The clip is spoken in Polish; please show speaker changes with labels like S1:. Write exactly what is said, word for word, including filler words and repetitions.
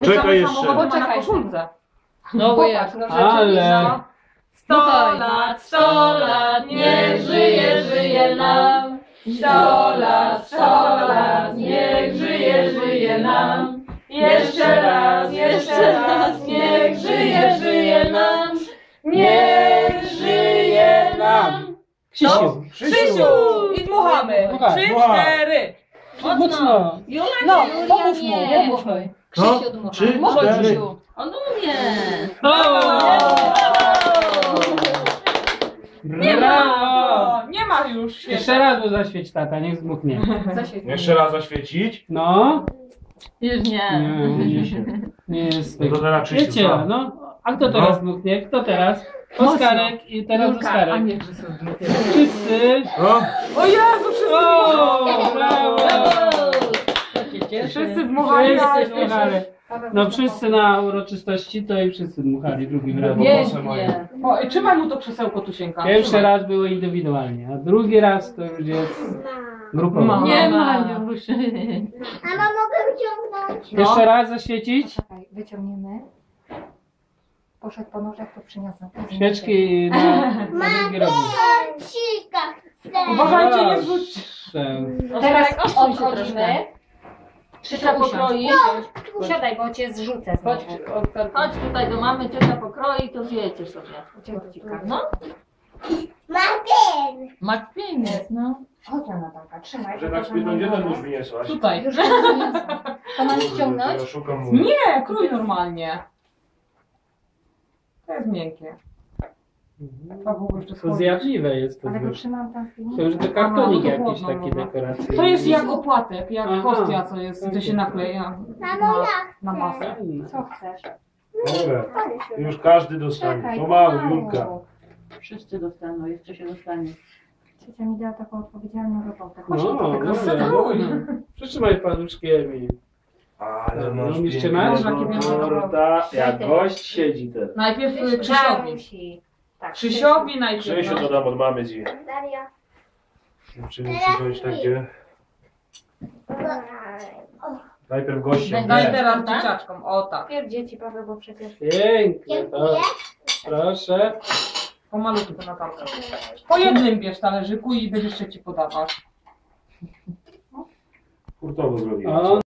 S1: Czekaj jeszcze.
S2: Samochody ma na koszulce.
S3: No bo jak?
S2: No
S4: Ale...
S2: Sto lat, sto lat, niech żyje, żyje nam. Sto lat, sto lat, niech żyje, żyje nam. Jeszcze raz, jeszcze raz, niech żyje, żyje nam. Niech żyje nam.
S4: Krzysiu.
S2: Krzysiu! I dmuchamy.
S4: Dmuchaj.
S2: Trzy,
S1: Dmuchaj.
S2: cztery.
S4: Mocno.
S3: Jula
S2: No,
S3: nie,
S2: pomóż mu,
S3: nie.
S2: pomóż mu.
S3: Krzysiu
S1: No,
S3: dmucha.
S1: trzy,
S3: Może
S1: cztery.
S3: Krzysiu. On umie.
S2: Nie
S4: Brawo.
S2: ma! Nie ma już świetnie.
S4: Jeszcze raz go zaświeć, tata, niech zmuchnie.
S1: Jeszcze raz zaświecić.
S4: No.
S3: Już nie.
S4: Nie, nie, się- nie jest.
S1: No to teraz Krzysiu.
S4: Wiecie,
S1: co?
S4: no. A kto teraz zmuchnie? Kto teraz? Oskarek i teraz
S2: Julka, a
S4: Oskarek.
S2: nie Krzysiu.
S4: Wszyscy.
S1: No.
S2: O Jezu, wszyscy
S4: O,
S2: dmuchali.
S4: brawo.
S2: Wszyscy dmuchali, ale
S4: Wszyscy dmuchali. No wszyscy na uroczystości to i wszyscy dmuchali drugi raz.
S3: Pięknie.
S2: O, i trzymaj mu to krzesełko, Tusieńka.
S4: Pierwszy
S2: Trzymaj.
S4: raz było indywidualnie, a drugi raz to już jest grupowo.
S2: Mama.
S3: Nie ma już.
S5: Mama, mogę wyciągnąć?
S2: No.
S4: Jeszcze raz zaświecić.
S5: Czekaj, wyciągniemy. Poszedł po nożach, to przyniosę.
S4: Świeczki na, na drugi robić.
S5: Cika chcę.
S2: Uważajcie, nie zrzuć.
S4: Proszę.
S5: Teraz
S3: Odsuń się
S5: odchodzimy.
S3: troszkę.
S2: Trzecia pokroi.
S5: Siadaj, bo cię zrzucę
S2: Chodź,
S5: znowu.
S3: Chodź tutaj do mamy, ciocia pokroić, to zjecie sobie. No.
S5: Martin!
S3: Makwienie, no.
S5: Chodź na Natalka, trzymaj.
S1: Że tak spytą, gdzie ten nóż wyniosłaś?
S2: Tutaj.
S5: Już przyniosłam. To mam ściągnąć?
S1: Ja szukam mu.
S2: Nie, krój normalnie. To jest miękkie. A w ogóle jeszcze
S4: To
S2: schodzić.
S4: zjadliwe jest to
S5: Ale go
S4: już.
S5: trzymam tam w
S4: To już
S5: filmie.
S4: to kartonik
S2: No, to
S4: jakiś
S2: chłodno,
S4: taki
S2: no.
S4: dekoracyjny.
S2: To jest jak opłatek, jak
S4: Aha.
S2: hostia, co jest, to się nakleja na, na masę.
S4: Fajne.
S5: Co chcesz?
S1: Dobra. Już każdy dostanie.
S5: Czekaj,
S1: Pomału,
S5: pomału.
S1: Julka.
S3: Wszyscy dostaną, jeszcze się dostanie.
S5: Ciocia mi dała taką odpowiedzialną robotę.
S4: No,
S5: Chodź do tego.
S4: dobra, dobra. Przytrzymaj paluszkiem i...
S1: Ale
S4: No,
S1: masz
S4: mieliście
S1: pięknego
S4: mecz?
S2: Jakie piękne
S1: torta. Jak gość siedzi ten.
S2: Najpierw y, Krzysiowi.
S5: Darusi. Tak,
S2: Krzysiowi najpierw.
S1: Krzysiu to
S2: No.
S1: dam od mamy ci.
S5: Daria.
S1: Musimy przyjąć takie. Najpierw gościem.
S2: Daj
S1: Nie.
S2: teraz
S3: Tak?
S2: dzieciaczkom, o tak.
S5: Pierw dzieci, Paweł, bo przecież...
S4: Piękne, to. Proszę.
S2: Pomalutku to Natalka. Po jednym bierz talerzyku i będziesz jeszcze ci podawać.
S1: Hurtowo zrobiłem.
S4: O,